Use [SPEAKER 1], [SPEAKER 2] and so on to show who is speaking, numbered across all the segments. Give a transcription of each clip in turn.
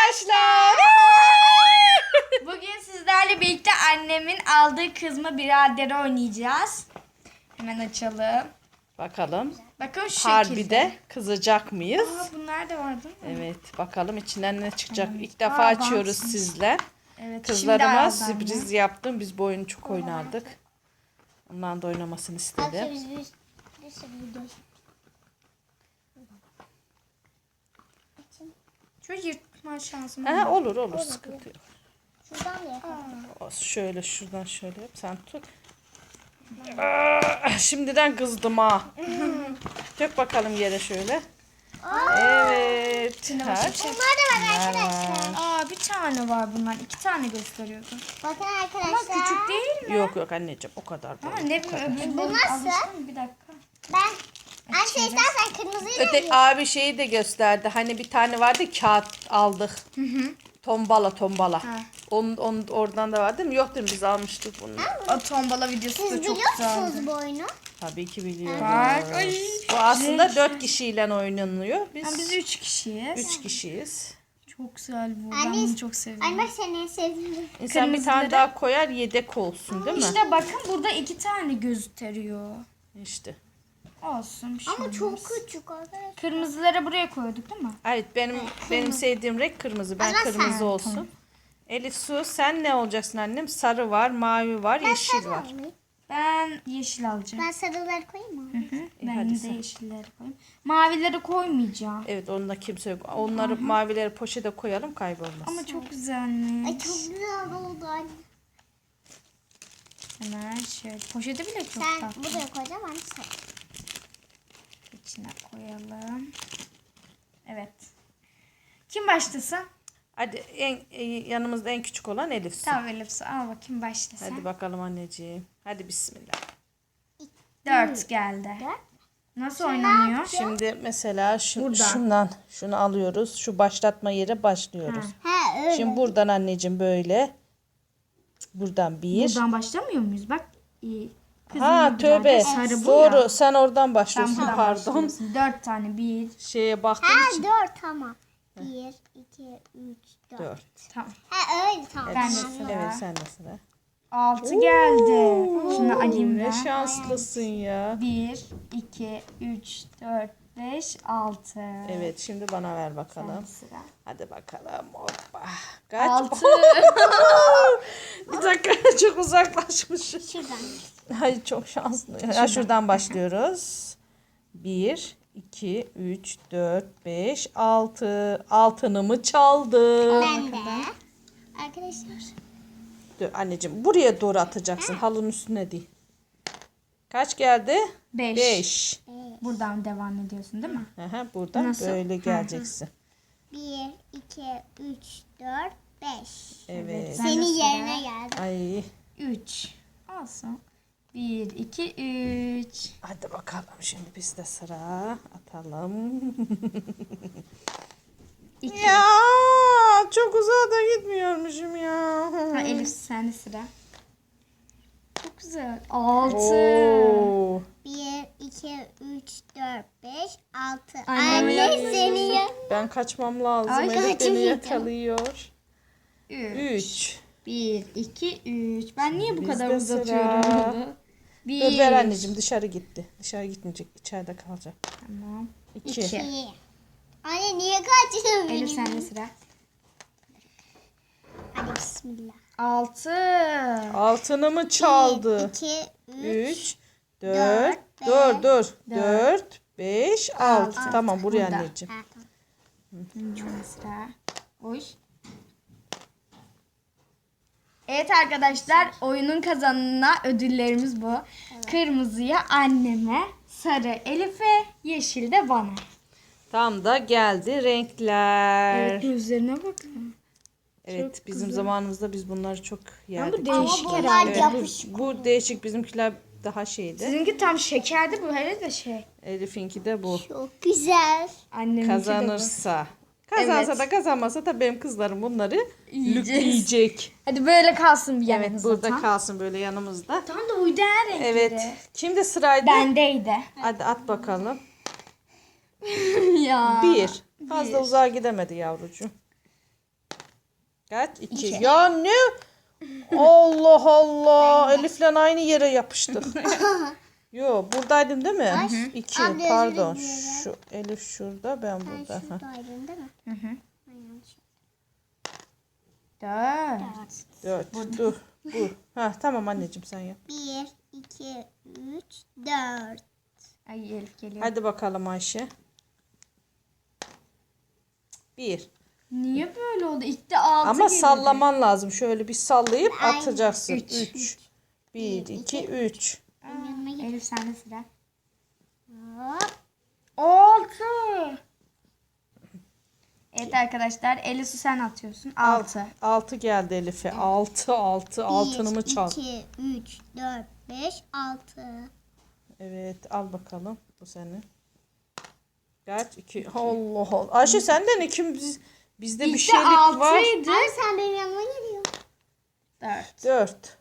[SPEAKER 1] arkadaşlar.
[SPEAKER 2] Bugün sizlerle birlikte annemin aldığı kızma biraderi oynayacağız. Hemen açalım.
[SPEAKER 1] Bakalım
[SPEAKER 2] Bakın şu şekilde.
[SPEAKER 1] harbide kızacak mıyız?
[SPEAKER 2] Bunlar da var değil mi?
[SPEAKER 1] Evet, bakalım içinden ne çıkacak.
[SPEAKER 2] Evet.
[SPEAKER 1] İlk defa açıyoruz
[SPEAKER 2] bantmış.
[SPEAKER 1] sizle.
[SPEAKER 2] Evet,
[SPEAKER 1] Kızlarıma
[SPEAKER 2] şimdi aldı
[SPEAKER 1] sürpriz yaptım. Biz bu oyunu çok oynardık. Ondan da oynamasını istedim.
[SPEAKER 2] Şu yırtma şansım
[SPEAKER 1] Ha, olur sıkıntı yok.
[SPEAKER 3] Şuradan mı yapalım?
[SPEAKER 1] Şöyle şuradan şöyle yap, sen tut. Şimdiden kızdım ha. Dök bakalım yere şöyle. Evet.
[SPEAKER 2] başka
[SPEAKER 3] Bunlar da var arkadaşlar.
[SPEAKER 2] Bir tane var bunlar. 2 tane gösteriyordum.
[SPEAKER 3] Bakın
[SPEAKER 2] Ama
[SPEAKER 3] arkadaşlar.
[SPEAKER 2] küçük değil mi?
[SPEAKER 1] Yok anneciğim, o kadar
[SPEAKER 2] Ama
[SPEAKER 1] değil.
[SPEAKER 2] ne bileyim öbürleri
[SPEAKER 3] Bu nasıl?
[SPEAKER 2] alıştım. Bir dakika.
[SPEAKER 3] Ben Ayşe istersen kırmızıyı da
[SPEAKER 1] Öte abi şeyi de gösterdi. Hani bir tane vardı, kağıt aldık. Tombala.
[SPEAKER 2] Ha.
[SPEAKER 1] Onun oradan da var değil mi? Yok değil mi? Biz almıştık bunu.
[SPEAKER 2] O tombala videosu
[SPEAKER 3] Siz
[SPEAKER 2] da çok
[SPEAKER 3] biliyor
[SPEAKER 2] güzeldi.
[SPEAKER 3] musunuz bu oyunu?
[SPEAKER 1] Tabii ki biliyoruz.
[SPEAKER 2] Bak, ay.
[SPEAKER 1] Bu aslında 4 kişiyle oynanıyor.
[SPEAKER 2] Biz
[SPEAKER 1] Biz
[SPEAKER 2] 3 kişiyiz.
[SPEAKER 1] 3 kişiyiz.
[SPEAKER 2] Çok güzel bu. Ben
[SPEAKER 3] Anne,
[SPEAKER 2] bunu çok seviyorum.
[SPEAKER 3] Anne bak seni en sevdiğim.
[SPEAKER 1] İnsan bir tane
[SPEAKER 2] Kırmızıları-
[SPEAKER 1] daha koyar, yedek olsun değil mi?
[SPEAKER 2] İşte bakın burada 2 tane gösteriyor.
[SPEAKER 1] İşte.
[SPEAKER 2] Olsun bir şey
[SPEAKER 3] Ama
[SPEAKER 2] olmaz.
[SPEAKER 3] çok küçük arkadaşlar.
[SPEAKER 2] Kırmızıları buraya koyduk değil mi?
[SPEAKER 1] Evet, benim sevdiğim renk kırmızı. Ben
[SPEAKER 3] O zaman sen.
[SPEAKER 1] kırmızı olsun. Elif Su, sen ne olacaksın annem? Sarı var, mavi var, yeşil var.
[SPEAKER 2] Ben yeşil alacağım.
[SPEAKER 3] Ben sarıları koyayım mı?
[SPEAKER 2] Ben
[SPEAKER 1] hadi
[SPEAKER 2] de
[SPEAKER 1] sen.
[SPEAKER 2] yeşilleri koyayım. Mavileri koymayacağım.
[SPEAKER 1] Evet, onda kimse yok. Onları mavileri poşete koyalım, kaybolmaz.
[SPEAKER 2] Ama çok güzelmiş.
[SPEAKER 3] Ay çok güzel oldu anne.
[SPEAKER 2] Hemen şöyle. Poşeti bile çok
[SPEAKER 3] Sen
[SPEAKER 2] tatlı.
[SPEAKER 3] buraya koyacağım anne sen.
[SPEAKER 2] İçine koyalım. Evet. Kim başlasın?
[SPEAKER 1] Hadi yanımızda en küçük olan Elif Su.
[SPEAKER 2] Tamam Elif Su, al bakayım başlasın.
[SPEAKER 1] Hadi bakalım anneciğim. Hadi bismillah.
[SPEAKER 2] 4 geldi.
[SPEAKER 3] Dört.
[SPEAKER 2] Nasıl oynanıyor?
[SPEAKER 1] Şimdi mesela
[SPEAKER 2] Buradan.
[SPEAKER 1] şunu alıyoruz. Şu başlatma yere başlıyoruz.
[SPEAKER 3] Ha öyle.
[SPEAKER 1] Şimdi buradan anneciğim böyle. Buradan bir.
[SPEAKER 2] Buradan başlamıyor muyuz? Bak. iyi.
[SPEAKER 1] Ha
[SPEAKER 2] Kızım
[SPEAKER 1] tövbe.
[SPEAKER 2] sarı bu
[SPEAKER 1] Doğru.
[SPEAKER 2] ya.
[SPEAKER 1] Sen oradan
[SPEAKER 2] Sen
[SPEAKER 1] başlıyorsun.
[SPEAKER 2] buradan
[SPEAKER 1] Pardon.
[SPEAKER 2] başlıyorsun. 4 tane. 1.
[SPEAKER 1] Şeye baktığım
[SPEAKER 3] Ha
[SPEAKER 1] için.
[SPEAKER 3] 4 tamam. 1, 2, 3, 4.
[SPEAKER 1] 4.
[SPEAKER 2] Tamam.
[SPEAKER 3] Ha öyle tamam.
[SPEAKER 2] Ben de
[SPEAKER 3] Tamam.
[SPEAKER 2] sıra.
[SPEAKER 1] Evet, sen de sıra.
[SPEAKER 2] 6 geldi. Şunu alayım
[SPEAKER 1] Ne
[SPEAKER 2] ben.
[SPEAKER 1] şanslısın ya.
[SPEAKER 2] 1, 2, 3, 4, 5, 6.
[SPEAKER 1] Evet, şimdi bana ver bakalım.
[SPEAKER 2] Sıra.
[SPEAKER 1] Hadi bakalım. Hoppa. Kaç?
[SPEAKER 2] 6.
[SPEAKER 1] Bir dakika, çok uzaklaşmışım.
[SPEAKER 3] Şuradan.
[SPEAKER 1] Hayır, çok şanslı. Ya, şuradan başlıyoruz. 1, 2, 3, 4, 5, 6. Altınımı çaldı.
[SPEAKER 3] Ben de. Arkadaşlar.
[SPEAKER 1] Dur anneciğim, buraya doğru atacaksın. Halının üstüne değil. Kaç geldi?
[SPEAKER 2] 5.
[SPEAKER 1] 5.
[SPEAKER 2] Buradan devam ediyorsun değil mi?
[SPEAKER 1] Buradan
[SPEAKER 2] Nasıl?
[SPEAKER 1] böyle geleceksin.
[SPEAKER 3] 1, 2, 3, 4, 5.
[SPEAKER 1] Evet.
[SPEAKER 2] Ben de
[SPEAKER 3] Senin
[SPEAKER 2] sıra.
[SPEAKER 3] yerine geldim.
[SPEAKER 1] Ay.
[SPEAKER 2] 3. Olsun. 1, 2, 3.
[SPEAKER 1] Hadi bakalım, şimdi biz de sıra atalım.
[SPEAKER 2] 2.
[SPEAKER 1] Ya çok uzağa da gitmiyormuşum ya.
[SPEAKER 2] Ha, Elif sende sıra. Çok güzel. 6.
[SPEAKER 1] Oo.
[SPEAKER 3] 1, 2, 3, 4, 5, 6.
[SPEAKER 2] Anne,
[SPEAKER 3] Anne senin yer.
[SPEAKER 1] Ben kaçmam lazım.
[SPEAKER 2] Ay,
[SPEAKER 1] Elif beni
[SPEAKER 3] kaçamayacağım.
[SPEAKER 1] yakalıyor.
[SPEAKER 2] 3.
[SPEAKER 1] 3.
[SPEAKER 2] 1, 2, 3. Ben niye bu
[SPEAKER 1] Bizde
[SPEAKER 2] kadar
[SPEAKER 1] sıra.
[SPEAKER 2] uzatıyorum bunu?
[SPEAKER 1] Dur ver anneciğim, dışarı gitti. Dışarı gitmeyecek, içeride kalacak.
[SPEAKER 2] Tamam.
[SPEAKER 1] 2.
[SPEAKER 2] 2.
[SPEAKER 3] İyi. Anne niye kaçıyorsun
[SPEAKER 2] Elif
[SPEAKER 3] benim?
[SPEAKER 2] sende sıra.
[SPEAKER 3] Hadi bismillah.
[SPEAKER 2] 6.
[SPEAKER 1] Altınımı çaldı.
[SPEAKER 3] 2,
[SPEAKER 1] 3, 4,
[SPEAKER 3] dört,
[SPEAKER 1] dur dur.
[SPEAKER 2] dört,
[SPEAKER 1] 4, 5, 6. Tamam, buraya
[SPEAKER 2] Burada.
[SPEAKER 1] anneciğim.
[SPEAKER 3] Ha, tamam.
[SPEAKER 2] Sıra. Oy. Evet arkadaşlar, oyunun kazananına ödüllerimiz bu. Kırmızıya anneme, sarı Elif'e, yeşil de bana.
[SPEAKER 1] Tam da geldi renkler.
[SPEAKER 2] Evet, gözlerine bakın.
[SPEAKER 1] Evet,
[SPEAKER 2] Çok
[SPEAKER 1] bizim
[SPEAKER 2] güzel.
[SPEAKER 1] zamanımızda biz bunları çok yerdik.
[SPEAKER 2] bu değişik
[SPEAKER 3] Ama
[SPEAKER 2] herhalde.
[SPEAKER 3] bunlar yapışık.
[SPEAKER 1] Bu değişik, bizimkiler daha şeydi.
[SPEAKER 2] Sizinki tam şekerdi, bu hele de şey.
[SPEAKER 1] Elif'inki de bu.
[SPEAKER 3] Çok güzel.
[SPEAKER 2] Anneminki
[SPEAKER 1] Kazanırsa. Kazansa
[SPEAKER 2] Evet.
[SPEAKER 1] da kazanmasa da benim kızlarım bunları
[SPEAKER 2] Yiyeceğiz.
[SPEAKER 1] lükleyecek.
[SPEAKER 2] de bu. Hadi böyle kalsın bir
[SPEAKER 1] Evet,
[SPEAKER 2] yanımızda.
[SPEAKER 1] burada
[SPEAKER 2] tam.
[SPEAKER 1] kalsın böyle yanımızda.
[SPEAKER 2] Tam da uydu her renkleri.
[SPEAKER 1] Evet. Kimde sıraydı?
[SPEAKER 2] Bendeydi.
[SPEAKER 1] Hadi at bakalım.
[SPEAKER 2] Ya.
[SPEAKER 1] 1. Fazla uzağa gidemedi yavrucuğum. Kaç? 2.
[SPEAKER 3] İki.
[SPEAKER 1] Ya ne? Allah Allah. Elif'le aynı yere yapıştık. Yo buradaydım değil mi? 2
[SPEAKER 3] Abi, özür
[SPEAKER 1] pardon.
[SPEAKER 3] dilerim.
[SPEAKER 1] Şu Elif şurada ben
[SPEAKER 3] Sen
[SPEAKER 1] burada. Ha.
[SPEAKER 3] şuradaydın değil mi?
[SPEAKER 2] Hı hı.
[SPEAKER 3] Ben yanlış.
[SPEAKER 2] 4.
[SPEAKER 1] 4. Dur. Dur. Ha tamam anneciğim sen yap.
[SPEAKER 3] 1, 2, 3, 4.
[SPEAKER 2] Ay Elif geliyor.
[SPEAKER 1] Hadi bakalım Ayşe. 1.
[SPEAKER 2] Niye böyle oldu? İlk de 6
[SPEAKER 1] Ama sallaman lazım. Şöyle bir sallayıp
[SPEAKER 3] Aynen.
[SPEAKER 1] atacaksın.
[SPEAKER 2] Üç.
[SPEAKER 1] 3. 1, 2, 3.
[SPEAKER 3] Benim yanıma git.
[SPEAKER 2] Elif sende sıra.
[SPEAKER 3] Hop.
[SPEAKER 2] 6. Evet arkadaşlar Elif sen atıyorsun. 6.
[SPEAKER 1] 6 geldi Elif'e. 6. Altını mı çal?
[SPEAKER 3] 2, 3, 4, 5, 6.
[SPEAKER 1] Evet al bakalım. Bu senin. Kaç? 2. Allah Allah. Ayşe senden ikimiz bizde bir
[SPEAKER 2] İlk de
[SPEAKER 1] şeylik var.
[SPEAKER 2] 6'ydı.
[SPEAKER 3] Abi sen benim yanıma geliyorsun.
[SPEAKER 2] 4.
[SPEAKER 1] 4.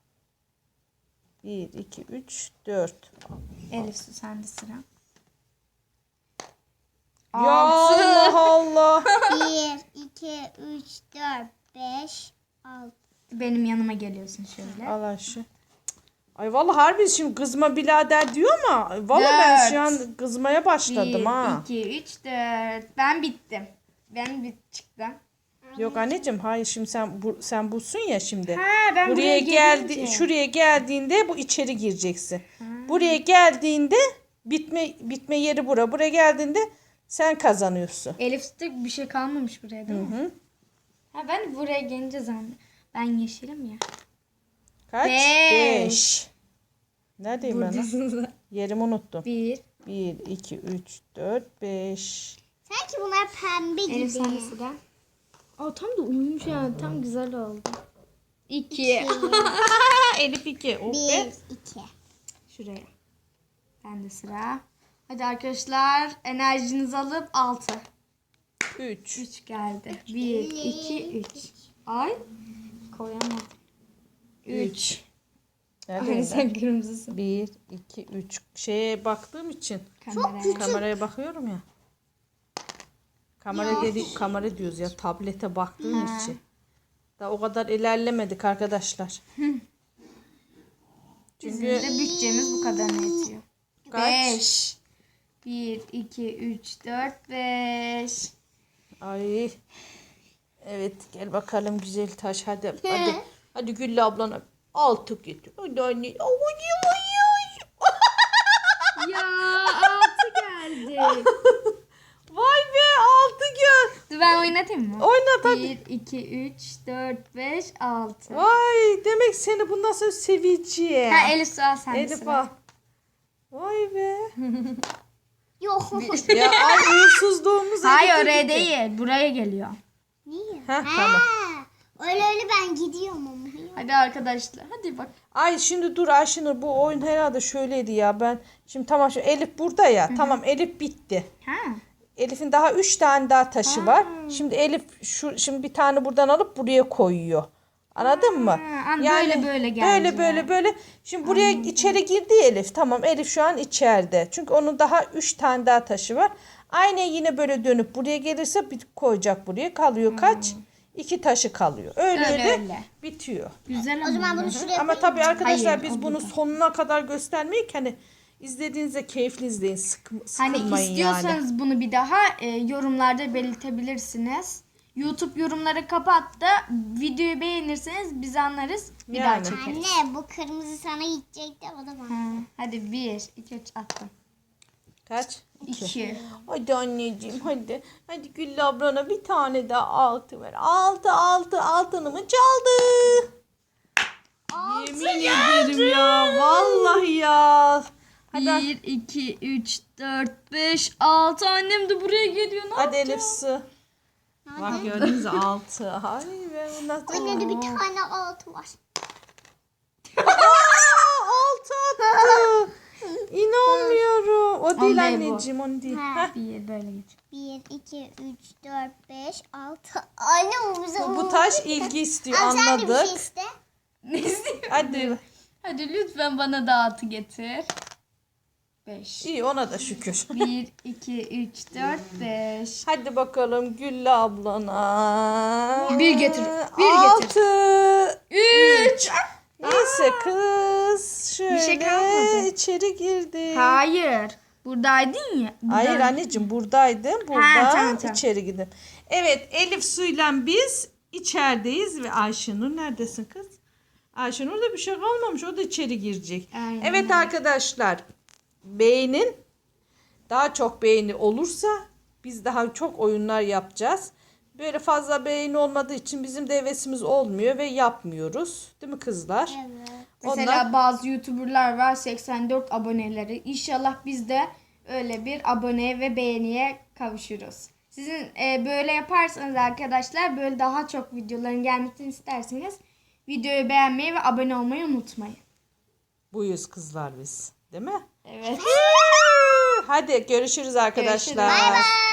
[SPEAKER 1] 1, 2, 3, 4.
[SPEAKER 2] Elif sende sıra.
[SPEAKER 1] Ya Allah Allah.
[SPEAKER 3] 1, 2, 3, 4, 5, 6.
[SPEAKER 2] Benim yanıma geliyorsun şöyle.
[SPEAKER 1] Al Ayşe. Ay vallahi harbi şimdi kızma birader diyor ama vallahi ben
[SPEAKER 2] Dört.
[SPEAKER 1] şu an kızmaya başladım
[SPEAKER 2] 1,
[SPEAKER 1] ha.
[SPEAKER 2] 2, 3, 4. Ben bittim. Ben çıktım.
[SPEAKER 1] Yok anneciğim hayır şimdi sen bulsun ya şimdi.
[SPEAKER 2] Ha ben
[SPEAKER 1] Buraya geldi
[SPEAKER 2] gelince.
[SPEAKER 1] şuraya geldiğinde bu içeri gireceksin. Buraya geldiğinde bitme yeri bura. Buraya geldiğinde sen kazanıyorsun.
[SPEAKER 2] Elif'te bir şey kalmamış buraya değil mi?
[SPEAKER 1] Hı.
[SPEAKER 2] Ha ben buraya gelince zannettim. Ben yeşilim ya.
[SPEAKER 1] Kaç?
[SPEAKER 2] Beş.
[SPEAKER 1] 5. Neredeyim ben? Lan? Yerimi unuttum.
[SPEAKER 2] 1.
[SPEAKER 1] 1, 2, 3, 4, 5.
[SPEAKER 3] Sanki bunlar pembe gibi.
[SPEAKER 2] Elif sende sıra. Aa tam da uyumuş yani. Tam güzel oldu. 2.
[SPEAKER 1] Elif 2. Oh
[SPEAKER 3] 1,
[SPEAKER 1] be.
[SPEAKER 3] 2.
[SPEAKER 2] Şuraya. Bende sıra. Hadi arkadaşlar enerjinizi alıp 6.
[SPEAKER 1] 3.
[SPEAKER 2] 3 geldi. 1, 2, 3. Ay. Koyamadım. 3. Ay
[SPEAKER 1] Neredeyim ben?
[SPEAKER 2] sen kırmızısın.
[SPEAKER 1] 1, 2, 3. Şeye baktığım için
[SPEAKER 2] Kameraya.
[SPEAKER 1] kameraya bakıyorum ya. Kamera diyoruz ya tablete baktığım için. Daha o kadar ilerlemedik arkadaşlar.
[SPEAKER 2] Bizim de bütçemiz bu kadarına yetiyor.
[SPEAKER 1] Kaç?
[SPEAKER 2] 5. 1, 2, 3, 4, 5.
[SPEAKER 1] Ay. Evet gel bakalım güzel taş hadi. Hadi Güllü ablana 6 getir. Hadi anne.
[SPEAKER 2] Ya 6 geldi.
[SPEAKER 1] Vay be 6 gel.
[SPEAKER 2] Dur ben oynatayım mı?
[SPEAKER 1] Oynat hadi.
[SPEAKER 2] 1, 2, 3, 4, 5, 6.
[SPEAKER 1] Vay demek seni bundan sonra seveceğim.
[SPEAKER 2] Ha Elif sıra sende
[SPEAKER 1] Elif
[SPEAKER 2] sıra.
[SPEAKER 1] al. Vay be.
[SPEAKER 3] Yok.
[SPEAKER 1] Ya ay uğursuzluğumuz
[SPEAKER 2] Hayır
[SPEAKER 1] Elif'e
[SPEAKER 2] oraya
[SPEAKER 1] gitti.
[SPEAKER 2] değil. Buraya geliyor.
[SPEAKER 3] Niye?
[SPEAKER 1] Heh, tamam.
[SPEAKER 3] Öyle ben gidiyorum ama.
[SPEAKER 2] Hadi arkadaşlar. Hadi bak.
[SPEAKER 1] Ay şimdi dur Ayşenur bu oyun herhalde şöyleydi ya ben. Şimdi tamam şu Elif burada ya. Tamam Elif bitti.
[SPEAKER 2] Ha.
[SPEAKER 1] Elif'in daha 3 tane daha taşı var. Şimdi Elif şimdi bir tane buradan alıp buraya koyuyor. Anladın mı?
[SPEAKER 2] böyle gelecek.
[SPEAKER 1] Böyle. Şimdi buraya içeri girdi Elif. Tamam Elif şu an içeride. Çünkü onun daha 3 tane daha taşı var. Aynı yine böyle dönüp buraya gelirse bir koyacak buraya. Kalıyor kaç? 2 taşı kalıyor. Öyle. Bitiyor.
[SPEAKER 2] Güzel
[SPEAKER 3] O zaman bunu şuraya
[SPEAKER 1] Ama tabii arkadaşlar
[SPEAKER 2] Hayır,
[SPEAKER 1] biz
[SPEAKER 2] o
[SPEAKER 1] bunu
[SPEAKER 2] burada.
[SPEAKER 1] sonuna kadar göstermeyik. Hani izlediğinizde keyifli izleyin.
[SPEAKER 2] Hani
[SPEAKER 1] Sıkılmayın
[SPEAKER 2] istiyorsanız
[SPEAKER 1] yani.
[SPEAKER 2] bunu bir daha yorumlarda belirtebilirsiniz. YouTube yorumları kapat da videoyu beğenirseniz biz anlarız. Bir daha
[SPEAKER 1] Yani.
[SPEAKER 2] çekeriz.
[SPEAKER 3] Anne bu kırmızı sana gidecek de o da bana.
[SPEAKER 2] Ha, hadi 1, 2, 3 attım.
[SPEAKER 1] Kaç?
[SPEAKER 2] 2.
[SPEAKER 1] Hadi anneciğim hadi. Hadi Güllü ablana bir tane daha 6 ver. 6'nımı çaldı. Yemin ederim ya. Vallahi ya. Hadi,
[SPEAKER 2] 1, 2, 3, 4, 5, 6. Annem de buraya geliyor. Ne
[SPEAKER 1] hadi
[SPEAKER 2] yapacağım?
[SPEAKER 1] Elif su. Bak gördünüz 6. Ay be bundan
[SPEAKER 3] Anne de bir tane altı var.
[SPEAKER 1] 6 attı. İnanmıyorum. O değil
[SPEAKER 2] değil bu.
[SPEAKER 1] anneciğim onu değil.
[SPEAKER 3] Ha.
[SPEAKER 1] Heh.
[SPEAKER 2] 1 böyle geç.
[SPEAKER 3] 1, 2, 3, 4, 5, 6. Anne o bize
[SPEAKER 1] Bu taş ilgi istiyor
[SPEAKER 3] Abi sen de bir şey
[SPEAKER 1] anladık.
[SPEAKER 3] iste.
[SPEAKER 2] Ne isteyeyim?
[SPEAKER 1] Hadi.
[SPEAKER 2] Hadi lütfen bana da 6 getir. 5.
[SPEAKER 1] İyi, ona da şükür.
[SPEAKER 2] 1, 2, 3, 4, 5.
[SPEAKER 1] Hadi bakalım Güllü ablana.
[SPEAKER 2] Bir getir, bir getir.
[SPEAKER 1] 6.
[SPEAKER 2] 3.
[SPEAKER 1] Neyse kız. Şöyle
[SPEAKER 2] şey kalmadı.
[SPEAKER 1] içeri girdi.
[SPEAKER 2] Hayır. Buradaydın ya.
[SPEAKER 1] Hayır anneciğim, buradaydım. Burada
[SPEAKER 2] Ha, tamam.
[SPEAKER 1] içeri gidin. Evet, Elif Su'yla biz içerideyiz ve Ayşenur neredesin kız? Ayşenur da bir şey kalmamış. O da içeri girecek.
[SPEAKER 2] Aynen.
[SPEAKER 1] Evet arkadaşlar, beğenin. Daha çok beğeni olursa biz daha çok oyunlar yapacağız. Böyle fazla beğeni olmadığı için bizim de hevesimiz olmuyor ve yapmıyoruz. Değil mi kızlar?
[SPEAKER 3] Evet.
[SPEAKER 2] Mesela bazı YouTuber'lar var 84 aboneleri. İnşallah biz de öyle bir aboneye ve beğeniye kavuşuruz. Sizin böyle yaparsanız arkadaşlar, böyle daha çok videoların gelmesini isterseniz videoyu beğenmeyi ve abone olmayı unutmayın.
[SPEAKER 1] Buyuz kızlar biz. Değil mi?
[SPEAKER 2] Evet.
[SPEAKER 1] Hadi görüşürüz arkadaşlar.
[SPEAKER 2] Görüşürüz.
[SPEAKER 3] Bye.